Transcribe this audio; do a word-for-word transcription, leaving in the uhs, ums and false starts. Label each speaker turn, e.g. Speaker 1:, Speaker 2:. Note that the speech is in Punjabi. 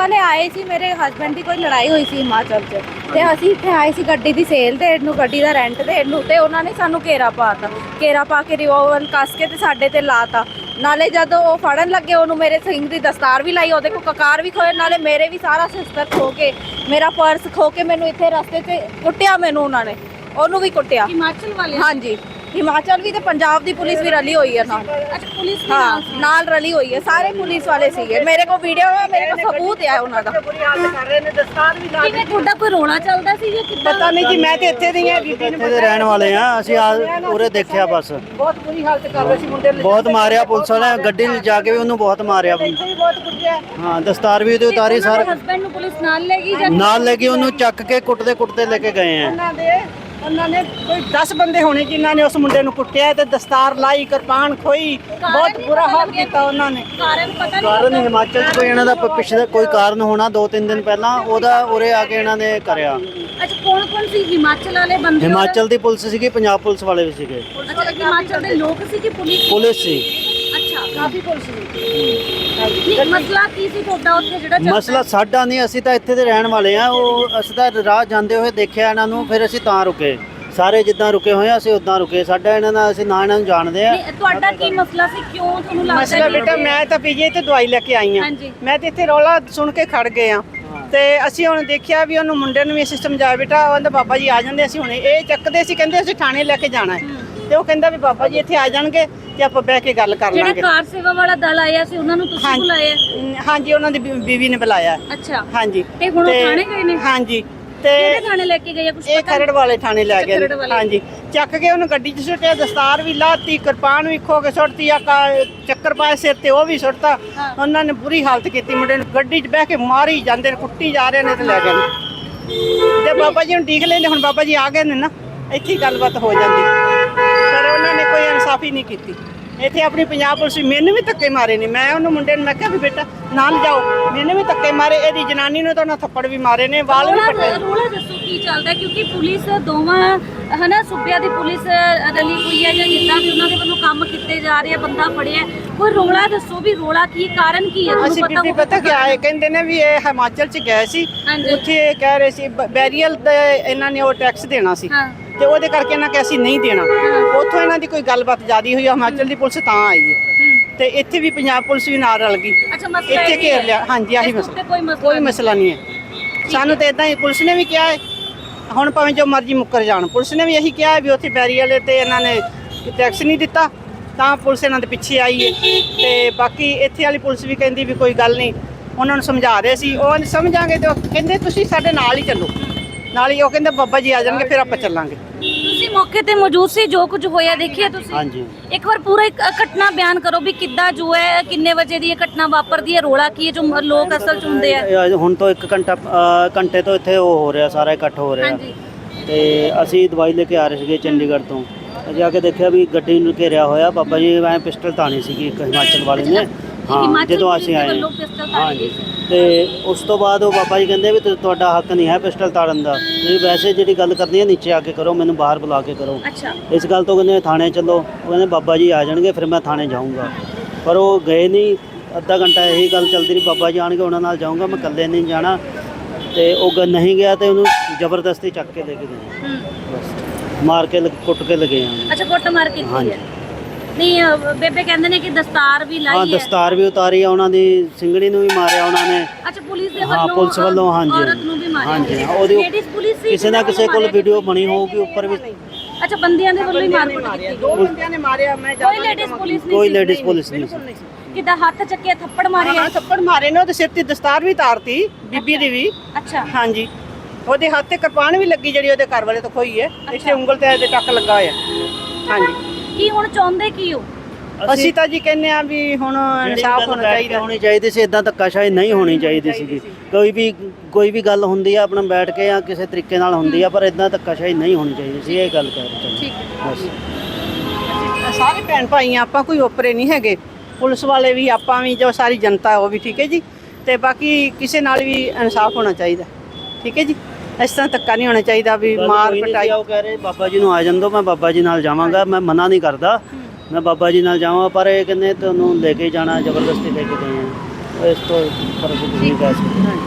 Speaker 1: ਵਾਲੇ ਆਏ ਸੀ, ਮੇਰੇ ਹਸਬੈਂਡ ਦੀ ਕੋਈ ਲੜਾਈ ਹੋਈ ਸੀ ਹਿਮਾਚਲ 'ਚ, ਤੇ ਅਸੀਂ ਇੱਥੇ ਆਏ ਸੀ ਗੱਡੀ ਦੀ ਸੇਲ ਦੇਣ ਨੂੰ, ਗੱਡੀ ਦਾ ਰੈਂਟ ਦੇਣ ਨੂੰ, ਤੇ ਉਹਨਾਂ ਨੇ ਸਾਨੂੰ ਘੇਰਾ ਪਾਤਾ, ਘੇਰਾ ਪਾ ਕੇ ਰਿਵੋਲਵਰ ਕੱਸ ਕੇ ਤੇ ਸਾਡੇ ਤੇ ਲਾਤਾ। ਨਾਲੇ ਜਦੋਂ ਉਹ ਫੜਨ ਲੱਗੇ ਉਹਨੂੰ ਮੇਰੇ ਸਿੰਘ ਦੀ ਦਸਤਾਰ ਵੀ ਲਾਈ, ਉਹਦੇ ਕੋਲ ਕਕਾਰ ਵੀ ਖੋਏ, ਨਾਲੇ ਮੇਰੇ ਵੀ ਸਾਰਾ ਸਿਸਟਰ ਖੋ ਕੇ, ਮੇਰਾ ਪਰਸ ਖੋ ਕੇ ਮੈਨੂੰ ਇੱਥੇ ਰਸਤੇ 'ਤੇ ਕੁੱਟਿਆ, ਮੈਨੂੰ ਉਹਨਾਂ ਨੇ, ਉਹਨੂੰ ਵੀ ਕੁੱਟਿਆ।
Speaker 2: ਹਿਮਾਚਲ ਵਾਲੇ?
Speaker 1: ਹਾਂਜੀ, ਹਿਮਾਚਲ ਵੀ ਤੇ ਪੰਜਾਬ ਦੀ ਪੁਲਿਸ ਵੀ ਰਲੀ ਹੋਈ ਹੈ ਨਾਲ।
Speaker 2: ਅੱਛਾ, ਪੁਲਿਸ ਵੀ
Speaker 1: ਹਾਂ ਨਾਲ ਰਲੀ ਹੋਈ ਹੈ, ਸਾਰੇ ਪੁਲਿਸ ਵਾਲੇ ਸੀਗੇ। ਮੇਰੇ ਕੋਲ ਵੀਡੀਓ ਹੈ, ਮੇਰੇ ਕੋਲ ਸਬੂਤ ਹੈ ਉਹਨਾਂ ਦਾ।
Speaker 2: ਕਿਵੇਂ ਤੁਹਾਡਾ ਕੋਈ ਰੋਣਾ ਚੱਲਦਾ ਸੀ ਜਾਂ ਕਿੱਦਾਂ?
Speaker 3: ਪਤਾ ਨਹੀਂ ਜੀ, ਮੈਂ ਤੇ ਇੱਥੇ ਦੀ ਹਾਂ, ਬੀਬੀ
Speaker 4: ਇੱਥੇ ਦੇ ਰਹਿਣ ਵਾਲੇ ਆ ਅਸੀਂ, ਆ ਉਰੇ ਦੇਖਿਆ ਬਸ।
Speaker 3: ਬਹੁਤ ਬੁਰੀ ਹਾਲਤ ਕਰ ਰਹੇ ਸੀ ਮੁੰਡੇ ਨੂੰ,
Speaker 4: ਬਹੁਤ ਮਾਰਿਆ ਪੁਲਿਸ ਵਾਲਿਆਂ ਨੇ, ਗੱਡੀ ਲਿਜਾ ਕੇ ਵੀ ਉਹਨੂੰ ਬਹੁਤ ਮਾਰਿਆ।
Speaker 3: ਇੱਥੇ ਵੀ ਬਹੁਤ ਕੁੱਟਿਆ।
Speaker 4: ਹਾਂ, ਦਸਤਾਰ ਵੀ ਉਹਦੀ ਉਤਾਰੀ, ਸਾਰਾ
Speaker 2: ਹਸਬੈਂਡ ਨੂੰ ਪੁਲਿਸ ਨਾਲ ਲੈ ਗਈ ਜਾਂ
Speaker 4: ਨਾਲ ਲੈ ਕੇ ਉਹਨੂੰ ਚੱਕ ਕੇ ਕੁੱਟਦੇ ਕੁੱਟਦੇ ਲੈ ਕੇ ਗਏ ਆ।
Speaker 3: ਉਹਨਾਂ ਦੇ ਉਹਨਾਂ ਨੇ ਕੋਈ ਦਸ ਬੰਦੇ ਹੋਣੇ ਜਿਨ੍ਹਾਂ ਨੇ ਉਸ ਮੁੰਡੇ ਨੂੰ ਕੁੱਟਿਆ ਤੇ ਦਸਤਾਰ ਲਾਈ, ਕਿਰਪਾਨ ਖੋਈ, ਬਹੁਤ ਬੁਰਾ ਹਾਲ ਕੀਤਾ ਉਹਨਾਂ ਨੇ।
Speaker 2: ਕਾਰਨ ਪਤਾ ਨਹੀਂ?
Speaker 4: ਕਾਰਨ ਹਿਮਾਚਲ 'ਚ ਕੋਈ ਇਹਨਾਂ ਦਾ ਪ- ਪਿਛਲੇ ਕੋਈ ਕਾਰਨ ਹੋਣਾ, ਦੋ ਤਿੰਨ ਦਿਨ ਪਹਿਲਾਂ ਉਹਦਾ ਉਰੇ ਆ ਕੇ ਇਹਨਾਂ ਨੇ ਕਰਿਆ।
Speaker 2: ਅੱਛਾ, ਕੌਣ ਕੌਣ ਸੀ ਹਿਮਾਚਲ ਵਾਲੇ ਬੰਦੇ?
Speaker 4: ਹਿਮਾਚਲ ਦੀ ਪੁਲਿਸ ਸੀਗੀ, ਪੰਜਾਬ ਪੁਲਿਸ ਵਾਲੇ ਵੀ ਸੀਗੇ।
Speaker 2: ਅੱਛਾ, ਹਿਮਾਚਲ ਦੇ ਲੋਕ ਸੀ ਕਿ ਪੁਲਿਸ?
Speaker 4: ਪੁਲਿਸ ਸੀ।
Speaker 2: ਅੱਛਾ,
Speaker 3: ਕਾਫੀ ਪੁਲਿਸ ਨੇ।
Speaker 2: ਨਹੀਂ, ਮਸਲਾ ਕੀ ਸੀ ਤੁਹਾਡਾ ਉੱਥੇ ਜਿਹੜਾ ਚੱਲਦਾ?
Speaker 4: ਮਸਲਾ ਸਾਡਾ ਨਹੀਂ, ਅਸੀਂ ਤਾਂ ਇੱਥੇ ਦੇ ਰਹਿਣ ਵਾਲੇ ਆ। ਉਹ ਅਸੀਂ ਤਾਂ ਰਾਹ ਜਾਂਦੇ ਹੋਏ ਦੇਖਿਆ ਇਹਨਾਂ ਨੂੰ, ਫਿਰ ਅਸੀਂ ਤਾਂ ਰੁਕੇ। ਸਾਰੇ ਜਿੱਦਾਂ ਰੁਕੇ ਹੋਏ ਆ ਅਸੀਂ ਉਦਾਂ ਰੁਕੇ। ਸਾਡਾ ਇਹਨਾਂ ਦਾ, ਅਸੀਂ ਨਾ ਇਹਨਾਂ ਨੂੰ ਜਾਣਦੇ ਆ।
Speaker 2: ਨਹੀਂ, ਤੁਹਾਡਾ ਕੀ ਮਸਲਾ ਸੀ? ਕਿਉਂ ਤੁਹਾਨੂੰ ਲੱਗਦਾ
Speaker 3: ਮਸਲਾ
Speaker 2: ਕਿ-
Speaker 3: ਬੇਟਾ, ਮੈਂ ਤਾਂ ਪੀਜੀ ਤੇ ਦਵਾਈ ਲੈ ਕੇ ਆਈ ਹਾਂ।
Speaker 2: ਹਾਂਜੀ।
Speaker 3: ਮੈਂ ਤੇ ਇੱਥੇ ਰੌਲਾ ਸੁਣ ਕੇ ਖੜ ਗਏ ਆ, ਤੇ ਅਸੀਂ ਹੁਣ ਦੇਖਿਆ ਵੀ ਉਹਨੂੰ ਮੁੰਡੇ ਨੂੰ ਵੀ ਅਸੀਂ ਸਮਝਾਇਆ, ਬੇਟਾ ਉਹਦਾ ਬਾਬਾ ਜੀ ਆ ਜਾਂਦੇ, ਅਸੀਂ ਹੁਣੇ ਇਹ ਚੱਕਦੇ ਸੀ, ਕਹਿੰਦੇ ਅਸੀਂ ਥਾਣੇ ਲੈ ਕੇ ਜਾਣਾ ਹੈ। ਤੇ ਉਹ ਕਹਿੰਦਾ ਵੀ ਬਾਬਾ ਜੀ ਇੱਥੇ ਆ ਜਾਣਗੇ ਤੇ ਆਪਾਂ ਬਹਿ ਕੇ ਗੱਲ ਕਰ
Speaker 2: ਜਿਹੜਾ
Speaker 3: ਲਾਂਗੇ।
Speaker 2: ਕਾਰ ਸੇਵਾ ਵਾਲਾ ਦਲ ਆਇਆ ਸੀ ਉਹਨਾਂ ਨੂੰ ਤੁਸੀਂ
Speaker 3: ਹਾਂਜੀ।
Speaker 2: ਬੁਲਾਇਆ?
Speaker 3: ਅਮ, ਹਾਂਜੀ, ਉਹਨਾਂ ਦੀ ਬੀ- ਬੀਵੀ ਨੇ ਬੁਲਾਇਆ।
Speaker 2: ਅੱਛਾ,
Speaker 3: ਹਾਂਜੀ।
Speaker 2: ਤੇ ਹੁਣ ਉਹ ਥਾਣੇ ਗਏ ਨੇ?
Speaker 3: ਹਾਂਜੀ, ਤੇ
Speaker 2: ਕਿਹੜੇ ਥਾਣੇ ਲੈ ਕੇ ਗਏ ਆ ਕੁਝ
Speaker 3: ਇਹ
Speaker 2: ਪਤਾ?
Speaker 3: ਖਰੜ ਵਾਲੇ ਥਾਣੇ ਲੈ ਗਏ
Speaker 2: ਖਰੜ
Speaker 3: ਨੇ।
Speaker 2: ਵਾਲੇ।
Speaker 3: ਹਾਂਜੀ, ਚੱਕ ਕੇ ਉਹਨੂੰ ਗੱਡੀ 'ਚ ਸੁੱਟਿਆ, ਦਸਤਾਰ ਵੀ ਲਾਤੀ, ਕਿਰਪਾਨ ਵੀ ਖੋ ਕੇ ਸੁੱਟਤੀ, ਆ ਕਾ- ਚੱਕਰ ਪਾਏ ਸਿਰ ਤੇ ਉਹ ਵੀ ਸੁੱਟਤਾ।
Speaker 2: ਹਾਂ।
Speaker 3: ਉਹਨਾਂ ਨੇ ਬੁਰੀ ਹਾਲਤ ਕੀਤੀ ਮੁੰਡੇ ਨੂੰ, ਗੱਡੀ 'ਚ ਬਹਿ ਕੇ ਮਾਰੀ ਜਾਂਦੇ ਨੇ, ਕੁੱਟੀ ਜਾ ਰਹੇ ਨੇ ਤੇ ਲੈ ਗਏ ਨੇ। ਤੇ ਬਾਬਾ ਜੀ ਨੂੰ ਡੀਕ ਲੈਂਦੇ, ਹੁਣ ਬਾਬਾ ਜੀ ਆ ਗਏ ਨੇ ਨਾ, ਇੱਥੇ ਹੀ ਗੱਲਬਾਤ ਹੋ ਜਾਂਦੀ, ਪਰ ਉਹਨਾਂ ਨੇ ਕੋਈ ਇਨਸਾਫੀ ਨਹੀਂ ਕੀਤੀ। ਇੱਥੇ ਆਪਣੀ ਪੰਜਾਬ ਪੁਲਿਸ ਵੀ, ਮੈਨੂੰ ਵੀ ਧੱਕੇ ਮਾਰੇ ਨੇ। ਮੈਂ ਉਹਨੂੰ ਮੁੰਡੇ ਨੂੰ ਮੈਂ ਕਿਹਾ ਵੀ ਬੇਟਾ ਨਾਲ ਜਾਓ, ਮੈਨੂੰ ਵੀ ਧੱਕੇ ਮਾਰੇ, ਇਹਦੀ ਜਨਾਨੀ ਨੂੰ ਤਾਂ ਉਹਨਾਂ ਥੱਪੜ ਵੀ ਮਾਰੇ ਨੇ, ਵਾਲ ਵੀ
Speaker 2: ਰੌਲਾ
Speaker 3: ਪੱਟੇ।
Speaker 2: ਰੌਲਾ ਦੱਸੋ ਕੀ ਚੱਲਦਾ? ਕਿਉਂਕਿ ਪੁਲਿਸ ਦੋਵਾਂ ਹਨਾ ਸੂਬਿਆਂ ਦੀ ਪੁਲਿਸ ਰਲੀ ਹੋਈ ਹੈ ਜਾਂ ਜਿੱਦਾਂ ਵੀ ਉਹਨਾਂ ਦੇ ਵੱਲੋਂ ਕੰਮ ਕੀਤੇ ਜਾ ਰਹੇ ਆ, ਬੰਦਾ ਫੜਿਆ, ਕੋਈ ਰੌਲਾ ਦੱਸੋ ਵੀ ਰੌਲਾ ਕੀ, ਕਾਰਨ ਕੀ ਹੈ?
Speaker 3: ਅਸੀਂ ਬੀਬੀ
Speaker 2: ਹੋਊਗਾ
Speaker 3: ਪਤਾ ਕਿਆ ਹੈ, ਕਹਿੰਦੇ ਨੇ ਵੀ ਇਹ ਹਿਮਾਚਲ 'ਚ ਗਏ ਸੀ,
Speaker 2: ਹਾਂਜੀ।
Speaker 3: ਉੱਥੇ ਇਹ ਕਹਿ ਰਹੇ ਸੀ ਬੈਰੀਅਲ ਦਾ ਇਹਨਾਂ ਨੇ ਉਹ ਟੈਕਸ ਦੇਣਾ ਸੀ,
Speaker 2: ਹਾਂ।
Speaker 3: ਤੇ ਉਹਦੇ ਕਰਕੇ ਇਹਨਾਂ ਕਿ ਅਸੀਂ ਨਹੀਂ ਦੇਣਾ। ਉੱਥੋਂ ਇਹਨਾਂ ਦੀ ਕੋਈ ਗੱਲਬਾਤ ਜ਼ਿਆਦੀ ਹੋਈ, ਹਿਮਾਚਲ ਦੀ ਪੁਲਿਸ ਤਾਂ ਆਈ ਹੈ,
Speaker 2: ਹੂੰ।
Speaker 3: ਤੇ ਇੱਥੇ ਵੀ ਪੰਜਾਬ ਪੁਲਿਸ ਵੀ ਨਾਲ ਰਲ ਗਈ,
Speaker 2: ਅੱਛਾ, ਮਸਲਾ
Speaker 3: ਇੱਥੇ
Speaker 2: ਇਹ
Speaker 3: ਘੇਰ
Speaker 2: ਹੈ।
Speaker 3: ਲਿਆ। ਹਾਂਜੀ, ਆਹੀ
Speaker 2: ਇਸ ਉੱਤੇ
Speaker 3: ਮਸਲਾ,
Speaker 2: ਕੋਈ ਮਸਲਾ
Speaker 3: ਕੋਈ
Speaker 2: ਨਹੀਂ।
Speaker 3: ਮਸਲਾ ਨਹੀਂ ਹੈ। ਸਾਨੂੰ ਤਾਂ ਇਦਾਂ ਹੀ ਪੁਲਿਸ ਨੇ ਵੀ ਕਿਹਾ ਹੈ, ਹੁਣ ਭਾਵੇਂ ਜੋ ਮਰਜ਼ੀ ਮੁੱਕਰ ਜਾਣ, ਪੁਲਿਸ ਨੇ ਵੀ ਇਹੀ ਕਿਹਾ ਵੀ ਉੱਥੇ ਬੈਰੀਅਲ ਤੇ ਇਹਨਾਂ ਨੇ ਟੈਕਸ ਨਹੀਂ ਦਿੱਤਾ, ਤਾਂ ਪੁਲਿਸ ਇਹਨਾਂ ਦੇ ਪਿੱਛੇ ਆਈ ਹੈ। ਤੇ ਬਾਕੀ ਇੱਥੇ ਵਾਲੀ ਪੁਲਿਸ ਵੀ ਕਹਿੰਦੀ ਵੀ ਕੋਈ ਗੱਲ ਨਹੀਂ, ਉਹਨਾਂ ਨੂੰ ਸਮਝਾ ਰਹੇ ਸੀ, ਉਹ ਸਮਝਾਂਗੇ ਤੇ ਉਹ ਕਹਿੰਦੇ ਤੁਸੀਂ ਸਾਡੇ ਨਾਲ ਹੀ ਚੱਲੋ, ਨਾਲ ਹੀ ਉਹ ਕਹਿੰਦੇ ਬਾਬਾ ਜੀ ਆ ਜਾਣਗੇ ਫਿਰ ਆਪਾਂ ਚੱਲਾਂਗੇ।
Speaker 2: ਤੁਸੀਂ ਮੌਕੇ ਤੇ ਮੌਜੂਦ ਸੀ, ਜੋ ਕੁਝ ਹੋਇਆ ਦੇਖਿਆ ਤੁਸੀਂ?
Speaker 4: ਹਾਂਜੀ।
Speaker 2: ਇੱਕ ਵਾਰ ਪੂਰਾ ਇੱਕ ਘਟਨਾ ਬਿਆਨ ਕਰੋ ਵੀ ਕਿੱਦਾਂ ਜੋ ਹੈ, ਕਿੰਨੇ ਵਜੇ ਦੀ ਇਹ ਘਟਨਾ ਵਾਪਰਦੀ ਹੈ, ਰੋਲਾ ਕੀ ਹੈ, ਜੋ ਮ- ਲੋਕ ਅਸਲ ਚ ਹੁੰਦੇ ਆ?
Speaker 4: ਇਹ ਹੁਣ ਤੋਂ ਇੱਕ ਘੰਟਾ ਅ, ਘੰਟੇ ਤੋਂ ਇੱਥੇ ਉਹ ਹੋ ਰਿਹਾ, ਸਾਰਾ ਇਕੱਠ ਹੋ ਰਿਹਾ।
Speaker 2: ਹਾਂਜੀ।
Speaker 4: ਤੇ ਅਸੀਂ ਦਵਾਈ ਲੈ ਕੇ ਆ ਰਹੇ ਸੀਗੇ ਚੰਡੀਗੜ੍ਹ ਤੋਂ, ਜਾ ਕੇ ਦੇਖਿਆ ਵੀ ਗੱਡੀ ਨੂੰ ਘੇਰਿਆ ਹੋਇਆ। ਬਾਬਾ ਜੀ ਐ ਪਿਸਟਲ ਤਾਣੀ ਸੀਗੀ ਇੱਕ ਹਿਮਾਚਲ ਵਾਲੇ ਨੇ। ਹਾਂ,
Speaker 2: ਹਿਮਾਚਲ
Speaker 4: ਜਦੋਂ
Speaker 2: ਪੁਲਿਸ
Speaker 4: ਅਸੀਂ
Speaker 2: ਦੇ
Speaker 4: ਆਏ।
Speaker 2: ਵੱਲੋਂ ਪਿਸਟਲ ਤਾੜੀ
Speaker 4: ਹਾਂਜੀ,
Speaker 2: ਗਈ ਸੀ।
Speaker 4: ਤੇ ਉਸ ਤੋਂ ਬਾਅਦ ਉਹ ਬਾਬਾ ਜੀ ਕਹਿੰਦੇ ਵੀ ਤੁ- ਤੁਹਾਡਾ ਹੱਕ ਨਹੀਂ ਹੈ ਪਿਸਟਲ ਤਾੜਨ ਦਾ, ਤੁਸੀਂ ਵੈਸੇ ਜਿਹੜੀ ਗੱਲ ਕਰਨੀ ਹੈ ਨੀਚੇ ਆ ਕੇ ਕਰੋ, ਮੈਨੂੰ ਬਾਹਰ ਬੁਲਾ ਕੇ ਕਰੋ।
Speaker 2: ਅੱਛਾ।
Speaker 4: ਇਸ ਗੱਲ ਤੋਂ ਕਹਿੰਦੇ ਥਾਣੇ ਚੱਲੋ, ਉਹ ਕਹਿੰਦੇ ਬਾਬਾ ਜੀ ਆ ਜਾਣਗੇ ਫਿਰ ਮੈਂ ਥਾਣੇ ਜਾਊਂਗਾ, ਪਰ ਉਹ ਗਏ ਨਹੀਂ। ਅੱਧਾ ਘੰਟਾ ਇਹੀ ਗੱਲ ਚੱਲਦੀ ਰਹੀ, ਬਾਬਾ ਜੀ ਆਣਗੇ ਉਹਨਾਂ ਨਾਲ ਜਾਊਂਗਾ, ਮੈਂ ਇਕੱਲੇ ਨਹੀਂ ਜਾਣਾ। ਤੇ ਉਹ ਗ- ਨਹੀਂ ਗਿਆ ਤੇ ਉਹਨੂੰ ਜ਼ਬਰਦਸਤੀ ਚੱਕ ਕੇ ਲੈ ਕੇ ਗਏ,
Speaker 2: ਹੂੰ।
Speaker 4: ਬਸ ਮਾਰ ਕੇ ਲ- ਕੁੱਟ ਕੇ ਲਗੇ ਆ।
Speaker 2: ਅੱਛਾ, ਕੁੱਟ ਮਾਰ ਕੀਤੀ
Speaker 4: ਹਾਂਜੀ।
Speaker 2: ਹੈ? ਨਹੀਂ, ਅ, ਬੇਬੇ ਕਹਿੰਦੇ ਨੇ ਕਿ ਦਸਤਾਰ ਵੀ
Speaker 4: ਹਾਂ,
Speaker 2: ਲਾਈ ਹੈ।
Speaker 4: ਦਸਤਾਰ ਵੀ ਉਤਾਰੀ ਆ ਉਹਨਾਂ ਦੀ, ਸਿੰਗੜੀ ਨੂੰ ਵੀ ਮਾਰਿਆ ਉਹਨਾਂ ਨੇ।
Speaker 2: ਅੱਛਾ, ਪੁਲਿਸ ਦੇ
Speaker 4: ਹਾਂ,
Speaker 2: ਵੱਲੋਂ
Speaker 4: ਪੁਲਿਸ ਵੱਲੋਂ,
Speaker 2: ਅ,
Speaker 4: ਹਾਂਜੀ।
Speaker 2: ਔਰਤ ਨੂੰ ਵੀ ਮਾਰਿਆ।
Speaker 4: ਹਾਂਜੀ, ਹਾਂ, ਉਹਦੀ
Speaker 2: ਲੇਡੀਜ਼ ਪੁਲਿਸ ਸੀ,
Speaker 4: ਕਿਸੇ ਨਾ
Speaker 2: ਜਿਹਨਾਂ
Speaker 4: ਕਿਸੇ
Speaker 2: ਵੱਲੋਂ
Speaker 4: ਕੋਲ
Speaker 2: ਮਾਰਿਆ
Speaker 4: ਵੀਡੀਓ ਬਣੀ ਹੋਊਗੀ ਉੱਪਰ ਵੀ।
Speaker 2: ਅੱਛਾ, ਬੰਦਿਆਂ ਦੇ ਵੱਲੋਂ ਹੀ ਮਾਰ ਕੁੱਟ ਕੀਤੀ
Speaker 3: ਦੋ ਬੰਦਿਆਂ ਨੇ ਮਾਰਿਆ, ਮੈਂ
Speaker 2: ਕੋਈ ਲੇਡੀਜ਼ ਪੁਲਿਸ ਨਹੀਂ
Speaker 4: ਕੋਈ
Speaker 2: ਸੀ?
Speaker 4: ਲੇਡੀਜ਼ ਪੁਲਿਸ ਨਹੀਂ ਸੀ।
Speaker 2: ਕਿੱਦਾਂ ਹੱਥ ਚੱਕਿਆ, ਥੱਪੜ ਮਾਰੇ?
Speaker 3: ਹਾਂ, ਥੱਪੜ ਮਾਰੇ ਨੇ, ਉਹਦੇ ਸਿਰ ਤੇ ਦਸਤਾਰ ਵੀ ਤਾਰਤੀ ਬੀਬੀ ਦੀ ਵੀ।
Speaker 2: ਅੱਛਾ।
Speaker 3: ਹਾਂਜੀ, ਉਹਦੇ ਹੱਥ ਤੇ ਕਿਰਪਾਨ ਵੀ ਲੱਗੀ ਜਿਹੜੀ ਉਹਦੇ ਘਰ ਵਾਲੇ ਤੋਂ ਖੋਈ ਹੈ, ਇੱਥੇ ਉਂਗਲ ਤੇ ਇਹਦੇ ਟੱਕ ਲੱਗਾ ਹੋਇਆ। ਹਾਂਜੀ,
Speaker 2: ਕੀ ਹੁਣ ਚਾਹੁੰਦੇ ਕੀ ਹੋ?
Speaker 3: ਅਸੀਂ ਤਾਂ ਜੀ ਕਹਿੰਦੇ ਆ ਵੀ ਹੁਣ ਇਨਸਾਫ ਹੋਣਾ ਚਾਹੀਦਾ।
Speaker 4: ਹੋਣੀ ਚਾਹੀਦੀ ਸੀ, ਇਦਾਂ ਧੱਕਾਸ਼ਾਹੀ ਨਹੀਂ ਹੋਣੀ ਚਾਹੀਦੀ ਸੀਗੀ। ਕੋਈ ਵੀ ਕੋਈ ਵੀ ਗੱਲ ਹੁੰਦੀ ਆ ਆਪਣਾ ਬੈਠ ਕੇ ਜਾਂ ਕਿਸੇ ਤਰੀਕੇ ਨਾਲ ਹੁੰਦੀ ਆ, ਪਰ ਇਦਾਂ ਧੱਕਾਸ਼ਾਹੀ ਨਹੀਂ ਹੋਣੀ ਚਾਹੀਦੀ ਸੀ, ਇਹ ਗੱਲ ਕਰ ਰਹੇ।
Speaker 2: ਠੀਕ ਹੈ।
Speaker 4: ਬਸ
Speaker 3: ਸਾਰੇ ਭੈਣ ਭਾਈ ਆ, ਆਪਾਂ ਕੋਈ ਓਪਰੇ ਨਹੀਂ ਹੈਗੇ, ਪੁਲਿਸ ਵਾਲੇ ਵੀ, ਆਪਾਂ ਵੀ, ਜੋ ਸਾਰੀ ਜਨਤਾ ਉਹ ਵੀ, ਠੀਕ ਹੈ ਜੀ। ਤੇ ਬਾਕੀ ਕਿਸੇ ਨਾਲ ਵੀ ਇਨਸਾਫ ਹੋਣਾ ਚਾਹੀਦਾ, ਠੀਕ ਹੈ ਜੀ। ਇਸ ਤਰ੍ਹਾਂ ਧੱਕਾ ਨਹੀਂ ਹੋਣਾ ਚਾਹੀਦਾ ਵੀ ਮਾਰ ਪਟਾਈ।
Speaker 4: ਉਹ ਕਹਿ ਰਹੇ ਬਾਬਾ ਜੀ ਨੂੰ ਆ ਜਾਂਦੋ, ਮੈਂ ਬਾਬਾ ਜੀ ਨਾਲ ਜਾਵਾਂਗਾ, ਮੈਂ ਮਨਾ ਨਹੀਂ ਕਰਦਾ, ਮੈਂ ਬਾਬਾ ਜੀ ਨਾਲ ਜਾਵਾਂ, ਪਰ ਇਹ ਕਹਿੰਦੇ ਤੁਹਾਨੂੰ ਲੈ ਕੇ ਜਾਣਾ, ਜ਼ਬਰਦਸਤੀ ਲੈ ਕੇ ਗਏ ਆ। ਇਸ ਤੋਂ ਪਰ ਕੁਝ ਨਹੀਂ ਕਹਿ ਸਕਦੇ।